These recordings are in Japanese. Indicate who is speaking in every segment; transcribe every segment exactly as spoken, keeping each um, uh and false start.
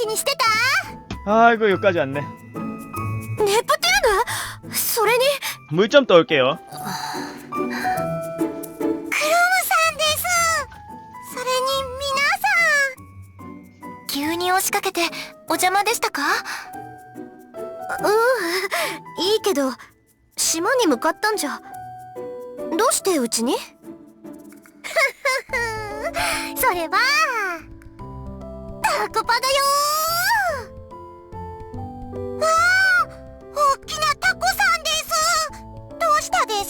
Speaker 1: 気にしてた？
Speaker 2: 아이고 여기까지 왔네.
Speaker 1: ネプテューヌ？それに
Speaker 2: 물 좀 떠올게요.
Speaker 1: クロムさんです。それに皆さん、急に押しかけてお邪魔でしたか？うん、いいけど島に向かったんじゃ。どうしてうちに？それはタコパだよー。わあ、大きなタコさんです。どうしたです？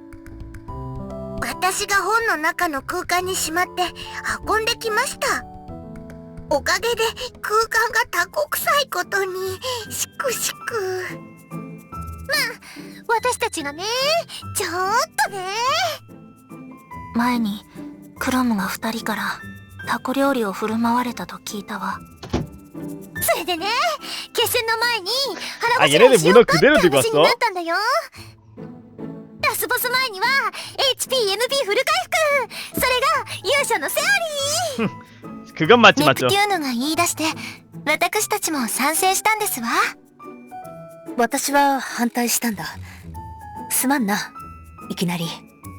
Speaker 1: 私が本の中の空間にしまって運んできました。おかげで空間がタコ臭いことにしくしく。まあ私たちがね、ちょっとね。前にクロムが二人からタコ料理を振る舞われたと聞いたわ。それでね、決戦の前に腹ごしらえしようかって話になったんだよ。ラスボス前には エイチピーエムピー フル回復、それが勇者のセオリー。
Speaker 2: 그건 맞지
Speaker 1: ネプ
Speaker 2: 맞죠.
Speaker 1: テューヌが言い出して私たちも賛成したんですわ。
Speaker 3: 私は反対したんだ。すまんな、いきなり。
Speaker 1: それ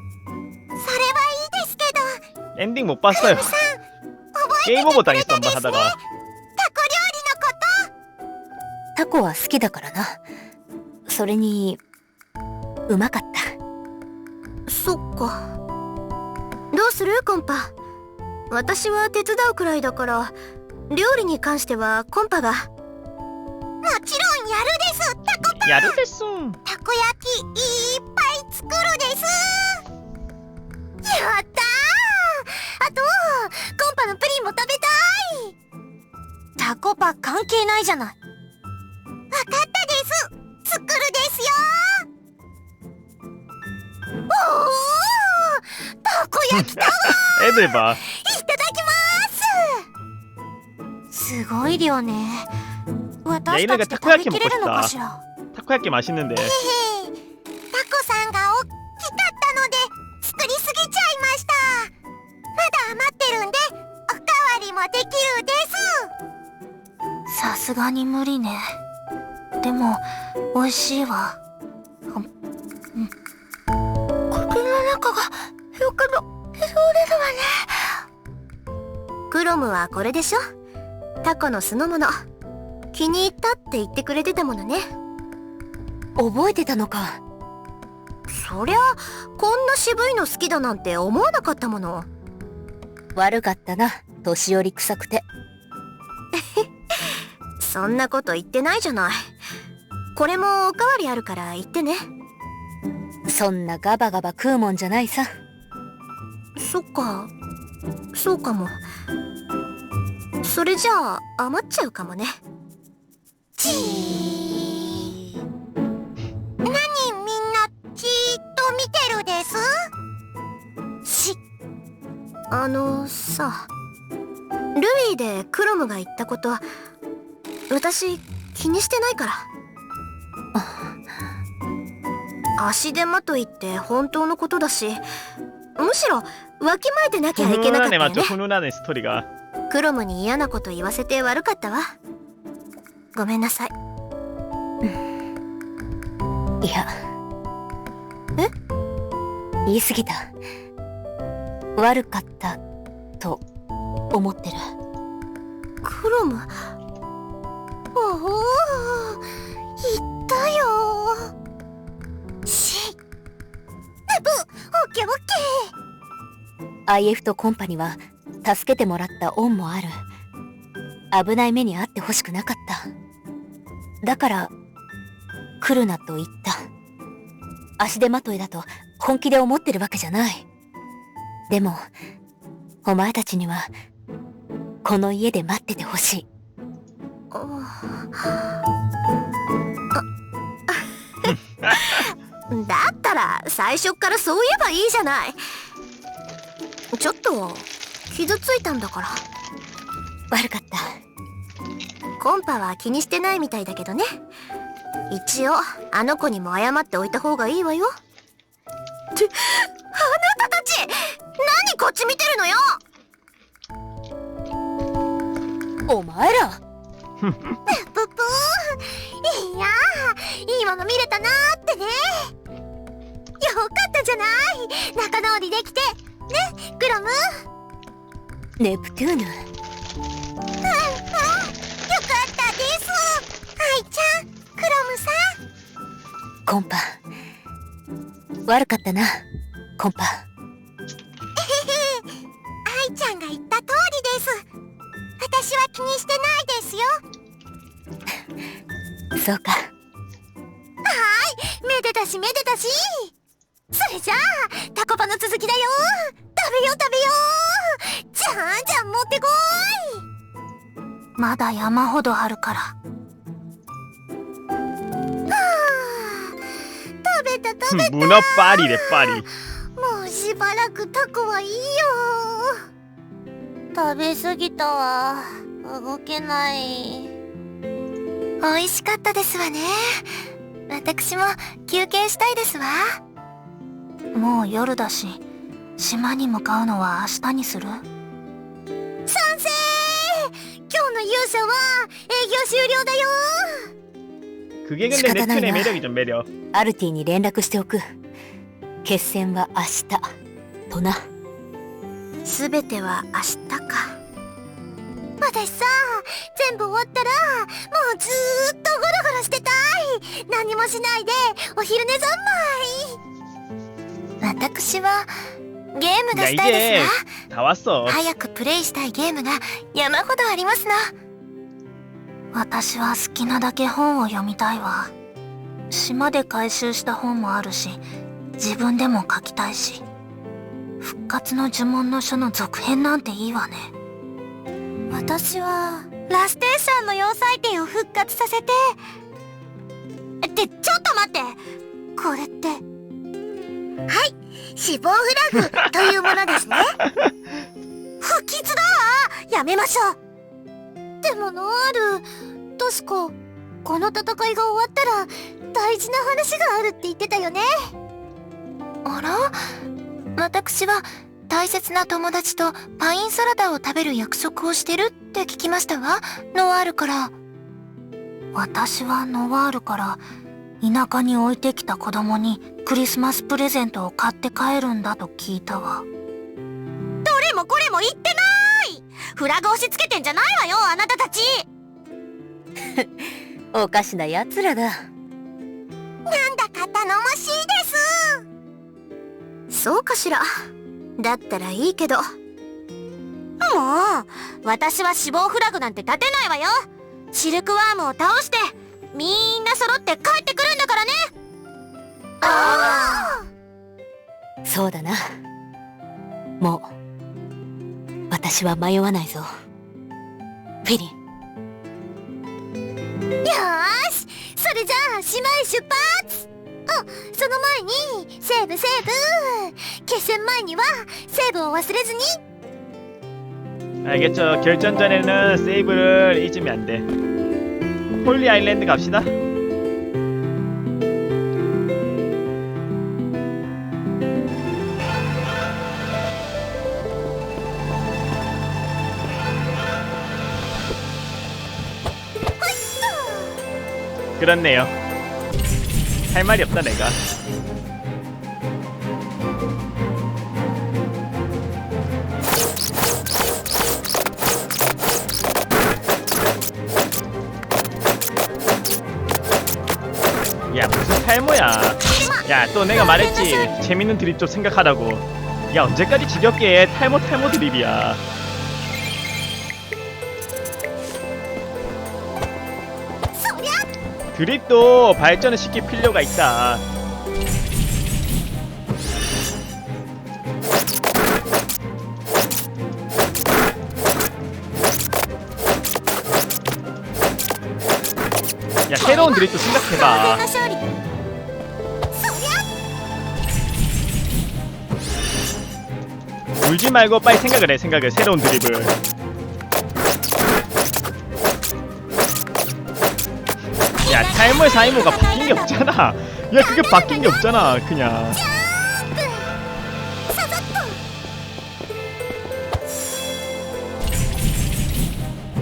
Speaker 1: はいいですけど、
Speaker 2: 엔딩 못 봤어요.
Speaker 1: さん覚えて
Speaker 2: 게임
Speaker 1: て
Speaker 2: 오버
Speaker 1: くれた
Speaker 2: 당했어
Speaker 1: ですね。
Speaker 2: 한번
Speaker 1: タコ料
Speaker 2: 하다가.
Speaker 1: 理のこと。
Speaker 3: タコは好きだからな。それにうまかった。
Speaker 1: そっか。どうするコンパ？私は手伝うくらいだから料理に関してはコンパが。もちろんやるです。タコパ
Speaker 2: 야르 됐어.
Speaker 1: たこ焼きいっぱい作るです。やったー。あとコンパのプリンも食べたい。タコパ関係ないじゃない。わかったです。作るですよ。おお、たこ焼きタワー
Speaker 2: 애들 봐.
Speaker 1: いただきます。すごい量ね。私たちで食べきれるのかしら。
Speaker 2: 타코야끼 맛있는데.
Speaker 1: タコさんが大きかったので作りすぎちゃいました。まだ余ってるんでおかわりもできるです。さすがに無理ね。でも美味しいわ。うん、口の中がよくのれるわね。クロムはこれでしょ。タコの酢の物。気に入ったって言ってくれてたものね。
Speaker 3: 覚えてたのか。
Speaker 1: そりゃこんな渋いの好きだなんて思わなかったもの。
Speaker 3: 悪かったな、年寄り臭くて。
Speaker 1: そんなこと言ってないじゃない。これもおかわりあるから言ってね。
Speaker 3: そんなガバガバ食うもんじゃないさ。
Speaker 1: そっか、そうかも。それじゃあ余っちゃうかもね。ちー。何みんなじーっと見てるです。しあのさ、ルビーでクロムが言ったこと私気にしてないから。足手まといって本当のことだし、むしろわきまえてなきゃいけなかったよね。
Speaker 2: 훈훈하네 맞죠. 훈훈하네 스토리가.
Speaker 1: クロムに嫌なこと言わせて悪かったわ。ごめんなさい。
Speaker 3: いや、
Speaker 1: え？
Speaker 3: 言い過ぎた。悪かったと思ってる。
Speaker 1: クロム、おお、言ったよ。し、ブ、オッケーオッケー。
Speaker 3: アイエフ とコンパには助けてもらった恩もある。危ない目に遭ってほしくなかった。だから来るなと言った。足手まといだと本気で思ってるわけじゃない。でもお前たちにはこの家で待っててほしい。
Speaker 1: だったら最初っからそう言えばいいじゃない。ちょっと傷ついたんだから。
Speaker 3: 悪かった。
Speaker 1: コンパは気にしてないみたいだけどね。一応あの子にも謝っておいた方がいいわよ。ってあなたたち何こっち見てるのよ。
Speaker 3: お前ら
Speaker 1: ぷぷいやー、いいもの見れたなーってね。よかったじゃない、仲直りできてね、クロム。
Speaker 3: ネプトゥーヌ。
Speaker 1: うんうん、よかったです。アイちゃん、クロムさん。
Speaker 3: コンパ、悪かったな、コンパ。
Speaker 1: アイちゃんが言った通りです。私は気にしてないですよ。
Speaker 3: そうか。
Speaker 1: はーい、めでたしめでたし。それじゃあタコパの続きだよ。食べよう食べよう。じゃんじゃん持ってこい。まだ山ほどあるから。はあ、食べた食べた。
Speaker 2: 문어 파리래 파리.
Speaker 1: もうしばらくタコはいいよ。食べ過ぎたわ。動けない。美味しかったですわね。私も休憩したいですわ。もう夜だし、島に向かうのは明日にする？賛成！今日の勇者は営業終了だよ。
Speaker 2: 그게 근데
Speaker 3: 시간이
Speaker 2: 넵튠의
Speaker 3: 나이나.
Speaker 2: 매력이죠 매력.
Speaker 3: アルティに連絡しておく。決戦は明日とな。
Speaker 1: すべては明日か。私さ、全部終わったらもうずーっとゴロゴロしてたい。何もしないでお昼寝三昧。私はゲームが
Speaker 2: 야
Speaker 1: したいで
Speaker 2: 이제
Speaker 1: すわ。
Speaker 2: 다 왔어.
Speaker 1: 早くプレイしたいゲームが山ほどありますな。私は好きなだけ本を読みたいわ。島で回収した本もあるし、自分でも書きたいし。復活の呪文の書の続編なんていいわね。私はラステーションの要塞店を復活させて。ってちょっと待って、これって。はい、死亡フラグというものですね。不吉だわ、やめましょう。でもノアール、確かこの戦いが終わったら大事な話があるって言ってたよね。あら、私は大切な友達とパインサラダを食べる約束をしてるって聞きましたわ、ノワールから。私はノワールから田舎に置いてきた子供にクリスマスプレゼントを買って帰るんだと聞いたわ。どれもこれも言ってない。フラグ押し付けてんじゃないわよ、あなたたち。
Speaker 3: おかしなやつらだ。
Speaker 1: なんだか頼もしいです。そうかしら。だったらいいけど。もう私は死亡フラグなんて立てないわよ。シルクワームを倒してみんな揃って帰ってくるんだからね。ああ、
Speaker 3: そうだな。もう私は迷わないぞ、フィリン。
Speaker 1: よーし、それじゃあ島へ出発。あ、その前にセーブセーブ。決戦前にはセーブを忘れずに。
Speaker 2: 알겠죠. 결전 전에는 세이브를 잊으면 안 돼. 홀리 아일랜드 갑시다. 그렇네요. 할 말이 없다 내가. 야, 무슨 탈모야. 야, 또 내가 말했지, 재밌는 드립 좀 생각하라고. 야, 언제까지 지겹게 탈모 탈모 드립이야. 드립도 발전을 시킬 필요가 있다. 야, 새로운 드립도 생각해봐. 울지 말고 빨리 생각을 해. 생각을. 새로운 드립을. 야, 탈모의 사이모가 바뀐 게 없잖아. 야, 그게 바뀐 게 없잖아. 그냥.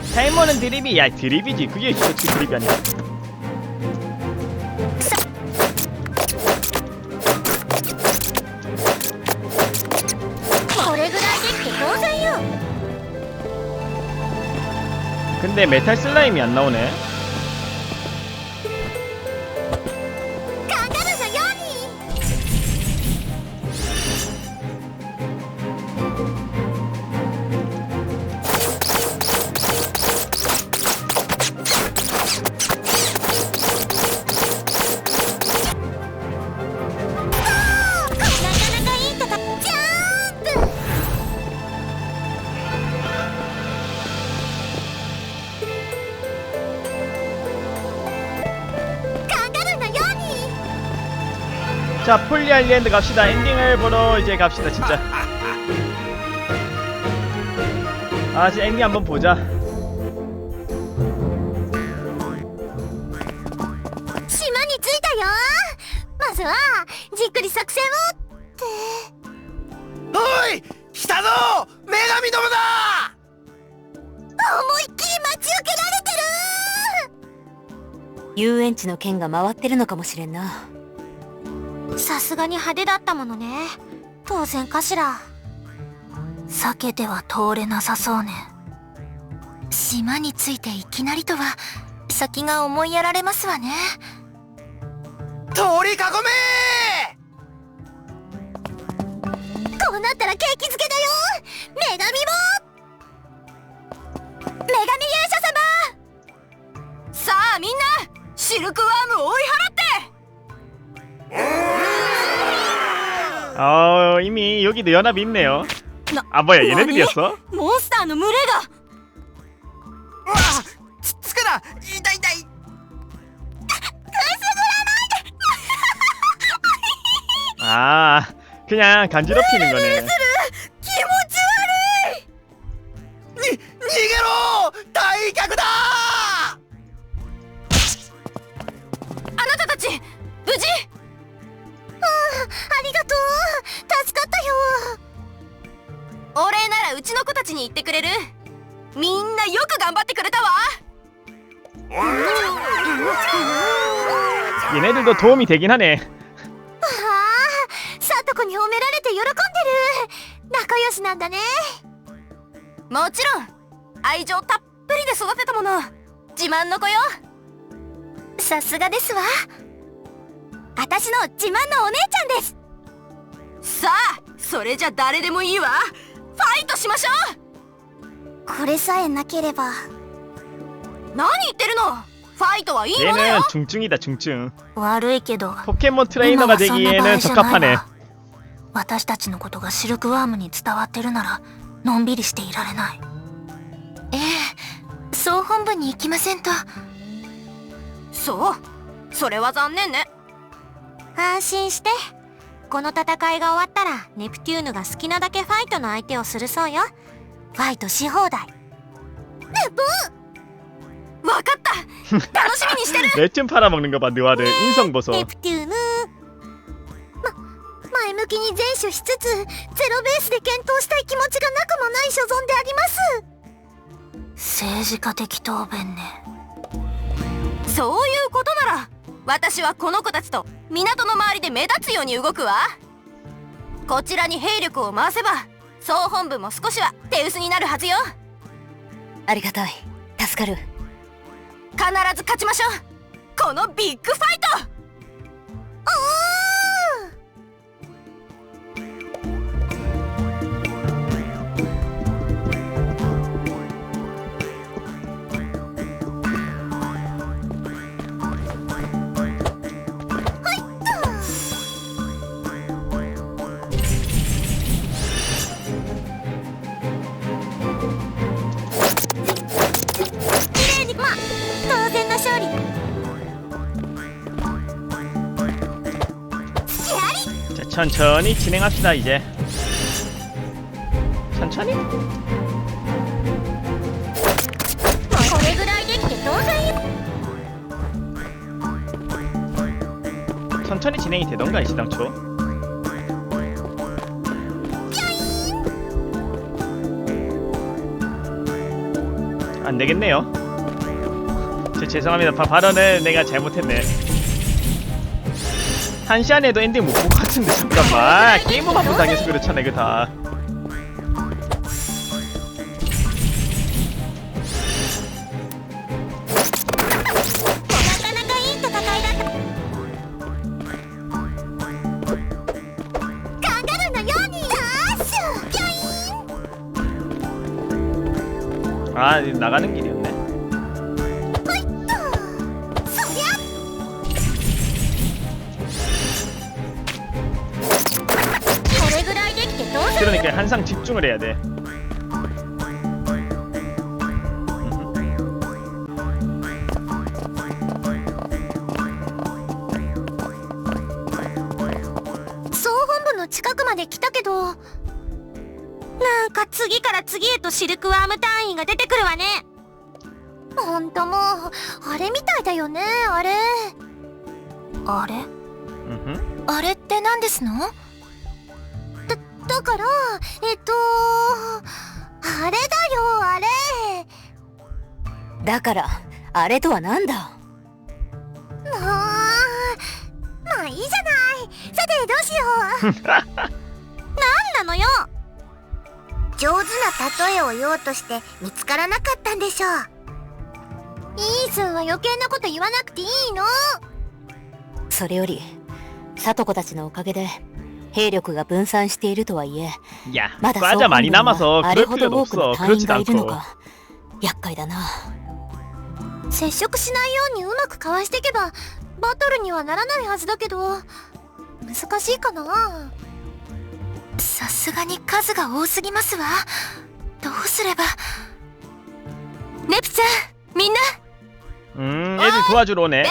Speaker 2: 탈모는 드립이 야 드립이지. 그게 어떻게 드립이 아니야.
Speaker 1: これぐらいできて当然よ。
Speaker 2: 근데 메탈 슬라임이 안 나오네.
Speaker 1: カンガルーのように。
Speaker 2: 자, 폴리 아일랜드 갑시다. 엔딩을 보러 이제 갑시다, 진짜. 아, 진짜 엔딩 한번 보자.
Speaker 1: 島に着いたよ。まずはじっくり作戦をって。
Speaker 4: おい来たぞ女神どもだ。
Speaker 1: 思いっきり待ち受けられてる。
Speaker 3: 遊園地の剣が回ってるのかもしれんな。
Speaker 1: さすがに派手だったものね。当然かしら。避けては通れなさそうね。島に着いていきなりとは先が思いやられますわね。
Speaker 4: 通り囲め。
Speaker 1: こうなったら景気づけだよ。女神も女神勇者様。さあみんなシルクワームを追い払って。
Speaker 2: 어, 이미 여기도 연합이 있네요. 아, 뭐야, 얘네들이었어?
Speaker 3: モンスターの群れが。
Speaker 4: うわつつくな痛い痛い。
Speaker 2: 아, 그냥 간지럽히는 거네.
Speaker 1: 気持ち悪い。
Speaker 4: に逃げろ退却だ。
Speaker 3: あなたたち無事？
Speaker 1: ありがとう。助かったよ。
Speaker 3: お礼ならうちの子たちに言ってくれる？みんなよく頑張ってくれたわ。
Speaker 2: 얘네들도 도움이 되긴 하네.
Speaker 1: ああ、さとこに褒められて喜んでる。仲良しなんだね。
Speaker 3: もちろん愛情たっぷりで育てたもの。自慢の子よ。
Speaker 1: さすがですわ。私の自慢のお姉ちゃんです。
Speaker 3: さあそれじゃ誰でもいいわ。ファイトしましょう。
Speaker 1: これさえなければ。
Speaker 3: 何言ってるの。ファイトはいいもの
Speaker 2: 얘는
Speaker 3: よ。
Speaker 2: 중증이다, 중증.
Speaker 1: 悪いけど
Speaker 2: 포켓몬 트레이너가 되기에는 적합하네.
Speaker 1: 私たちのことがシルクワームに伝わってるならのんびりしていられない。ええ、総本部に行きませんと。
Speaker 3: そう、それは残念ね。
Speaker 1: 安心して。この戦いが終わったらネプテューヌが好きなだけファイトの相手をするそうよ。ファイトし放題。
Speaker 3: わかった。楽しみにしてる。
Speaker 2: 레튼 팔아먹는 거 봐, 느와르. 인성 보소.
Speaker 1: ネプテューヌ。ま、前向きに善処しつつゼロベースで検討したい気持ちがなくもない所存であります。政治家的答弁ね。
Speaker 3: そういうことなら私はこの子たちと港の周りで目立つように動くわ。こちらに兵力を回せば総本部も少しは手薄になるはずよ。ありがたい。助かる。必ず勝ちましょう。このビッグファイト。
Speaker 1: 当然の勝利。
Speaker 2: 자, 천천히 진행합시다, 이제. 천천히?
Speaker 1: これぐらいできて当然よ。
Speaker 2: 천천히 진행이 되던가, 시당초. 안 되겠네요. 제, 죄송합니다. 바, 발언을 내가 잘못했네. 한 시간에도 엔딩 못 볼 것 같은데 잠깐만. 게임을 한번 당해서 그렇잖아 이거 다.
Speaker 1: なかなかいい戦いだったカンガルーのようにダッシュピョイン
Speaker 2: 아 나가는 길이었네.
Speaker 1: ほいっとそりゃこれぐらいできてどうする
Speaker 2: 그러니까 항상 집중을 해야 돼. 음흠.
Speaker 1: 総本部の近くまで来たけど、なんか次から次へとシルクワーム隊員が出てくるわね。ほんともうあれみたいだよね。あれあれ
Speaker 2: 음흠.
Speaker 1: あれって何ですの？だだからえっとあれだよあれ。
Speaker 3: だからあれとはなんだ。
Speaker 1: もうまあいいじゃない。さてどうしよう。なんなのよ。上手な例えを言おうとして見つからなかったんでしょう。イースンは余計なこと言わなくていいの。
Speaker 3: それより聡子たちのおかげで兵力が分散しているとはいえ
Speaker 2: 야,
Speaker 3: まだ
Speaker 2: 과자 많이
Speaker 3: 総本部に
Speaker 2: 남아서
Speaker 3: はあれ
Speaker 2: 그럴
Speaker 3: ほど
Speaker 2: 필요도
Speaker 3: 多くの
Speaker 2: 없어.
Speaker 3: 隊員
Speaker 2: 그렇지도
Speaker 3: がいるの
Speaker 2: 않고.
Speaker 3: か厄介だな。
Speaker 1: 接触しないようにうまくかわしていけばバトルにはならないはずだけど難しいかな。さすがに数が多すぎますわ。どうすれば。ネプちゃんみんな
Speaker 2: 음, 애들 도와주러 오네.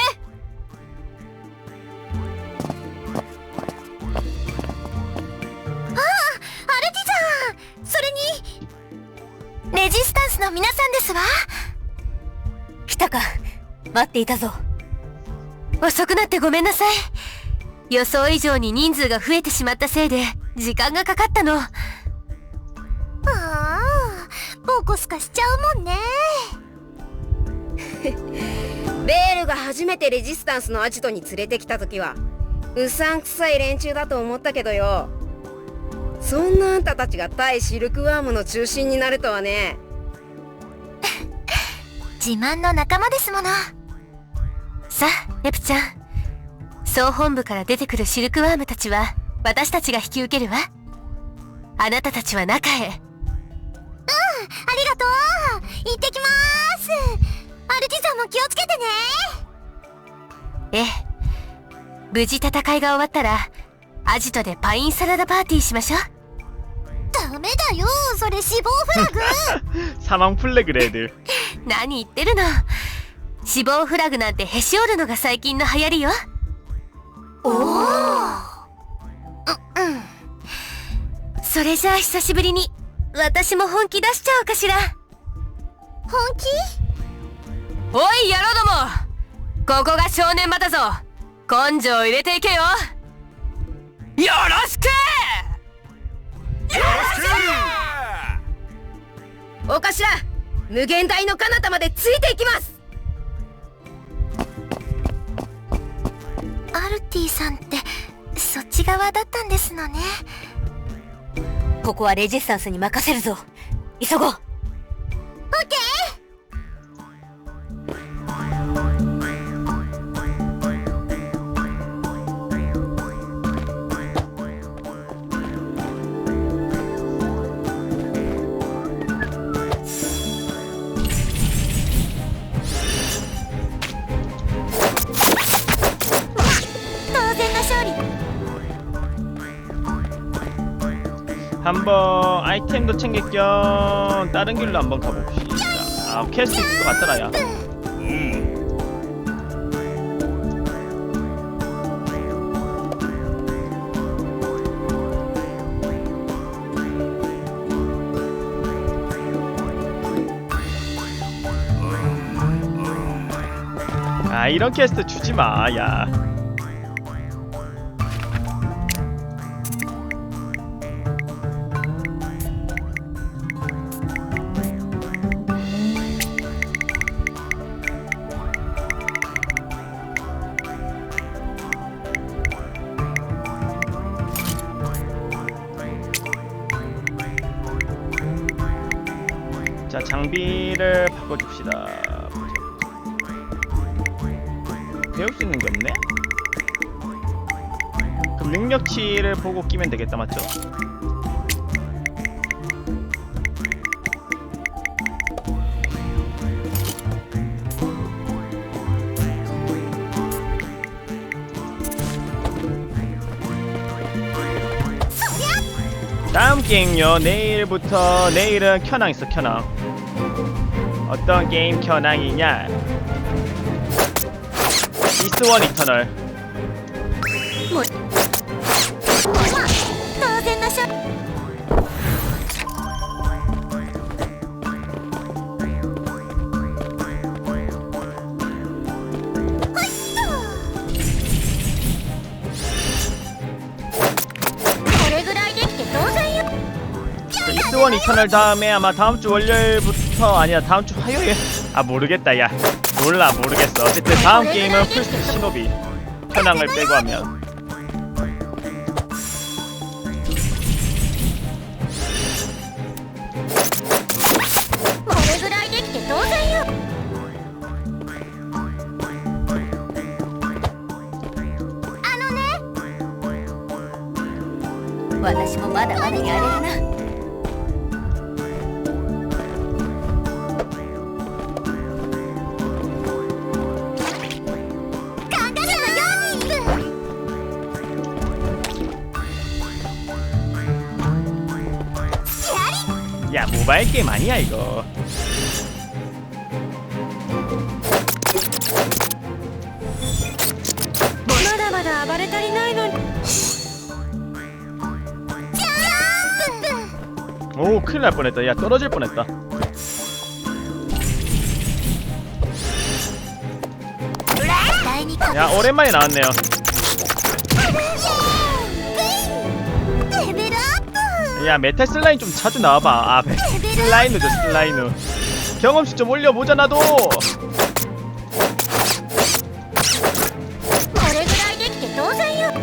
Speaker 1: アルティさん、それにレジスタンスの皆さんですわ。
Speaker 3: 来たか。待っていたぞ。
Speaker 5: 遅くなってごめんなさい。予想以上に人数が増えてしまったせいで時間がかかったの。
Speaker 1: ああ、ボコスカしちゃうもんね。
Speaker 6: ベールが初めてレジスタンスのアジトに連れてきた時はうさんくさい連中だと思ったけどよ、そんなあんたたちが対シルクワームの中心になるとはね。
Speaker 1: 自慢の仲間ですもの。
Speaker 5: さあネプちゃん、総本部から出てくるシルクワームたちは私たちが引き受けるわ。あなたたちは中へ。
Speaker 1: ありがとう。行ってきまーす。アルティさんも気をつけてね。
Speaker 5: ええ、無事戦いが終わったらアジトでパインサラダパーティーしましょう。
Speaker 1: ダメだよ、それ死亡フラグ。
Speaker 2: 사망 플래그래 애들.
Speaker 5: 何言ってるの。死亡フラグなんてへし折るのが最近の流行りよ。
Speaker 1: おお。う、うん。
Speaker 5: それじゃあ久しぶりに私も本気出しちゃおうかしら。
Speaker 1: 本気？
Speaker 5: おい野郎ども、ここが正念場だぞ。根性入れていけよ。よろしく。
Speaker 4: よろしく。
Speaker 6: お頭、無限大の彼方までついていきます。
Speaker 1: アルティさんってそっち側だったんですのね。
Speaker 3: ここはレジスタンスに任せるぞ。急ごう。
Speaker 1: オッケー。当然の勝利。
Speaker 2: 한번 아이템도 챙길 겸 다른 길로 한번 가봅시다. 아, 퀘스트 있을 것 같더라 야. 아, 이런 퀘스트 주지 마, 야. 자, 장비를 바꿔줍시다. 배울 수 있는 게 없네? 그럼 능력치를 보고 끼면 되겠다, 맞죠? 다음 게임요. 내일부터, 내일은 켜낭 있어, 켜낭. 어떤 게임 켜낭이냐? 이스원 이터널.
Speaker 1: 当然のしょ これぐらいできて当然よ
Speaker 2: 그 이스원 이터널 다음에 아마 다음주 월요일부터, 아니야 다음주 화요일. 아 모르겠다. 야 몰라 모르겠어. 어쨌든 다음 게임은 풀스택 시노비. 현황을 빼고 하면.
Speaker 1: 아のね
Speaker 3: 私もまだまだやれるな。
Speaker 2: 야 모바일 게임 아니야 이거. 오 큰일 날 뻔했다. 야 떨어질 뻔했다. 야 오랜만에 나왔네요.
Speaker 1: レベルアップ
Speaker 2: 야 메탈 슬라임 좀 자주 나와봐. 아 슬라이누죠 슬라이누. 경험치 좀 올려보자 나도.
Speaker 1: これぐらいできて当然よ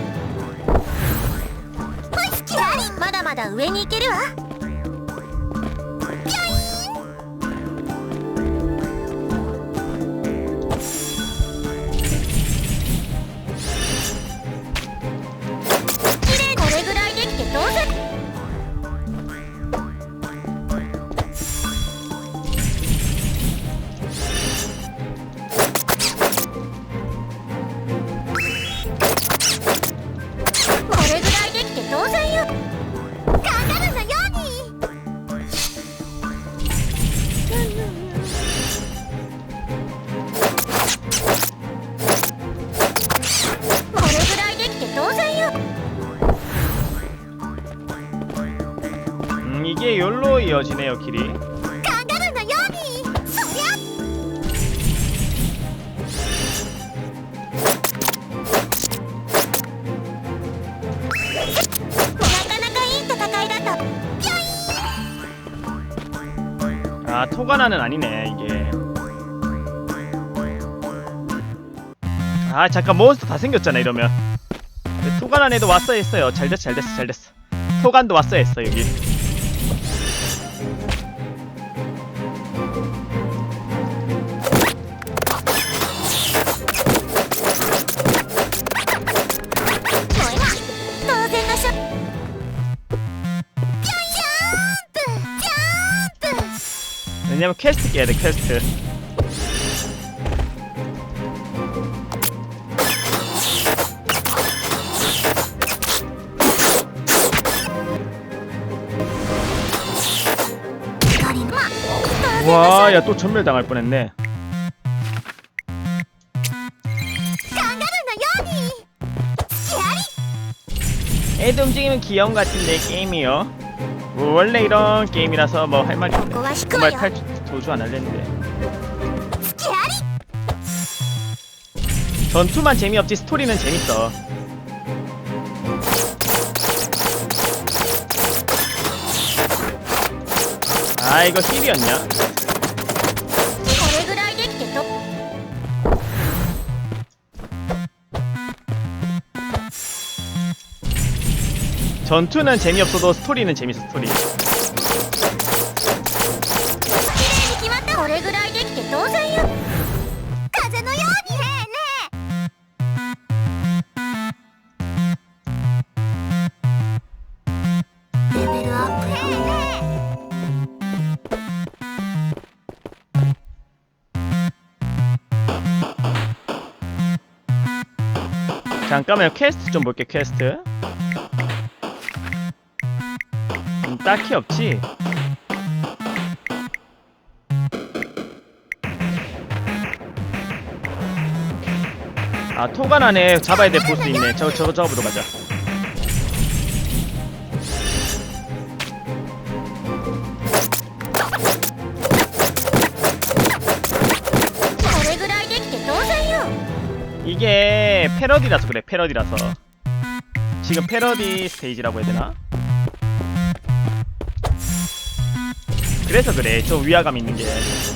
Speaker 1: ほいキラリまだまだ上に行けるわ
Speaker 2: 음 이게 욜로 이어지네요 길이.
Speaker 1: カンガルーのようにそりゃ
Speaker 2: 아 토가나는 아니네 이게. 아 잠깐 몬스터 다 생겼잖아 이러면. 토가나에도 왔어야 했어요. 잘됐어 잘됐어 잘됐어. 토간도 왔어야 했어 여기. 왜냐면 퀘스트 깨야 돼 퀘스트. 와, 야 또 전멸 당할 뻔했네. 애들 움직이면 귀여운 것 같은데 게임이요. 뭐 원래 이런 게임이라서 뭐 할 말이 없네. 정말 탈 도주 안 할랬는데. 전투만 재미없지 스토리는 재밌어. 아 이거 힐이었냐? 전투는 재미없어도 스토리는 재밌어 스토리. 잠깐만요. 퀘스트 좀 볼게. 퀘스트. 음, 딱히 없지. 아, 토간 안에 잡아야 될 보스 있네. 저거 저거 잡으러 가자.
Speaker 1: これぐらいできて当然よ。
Speaker 2: 이게 패러디라서 그래. 패러디라서. 지금 패러디 스테이지라고 해야 되나? 그래서 그래. 좀 위화감 있는 게.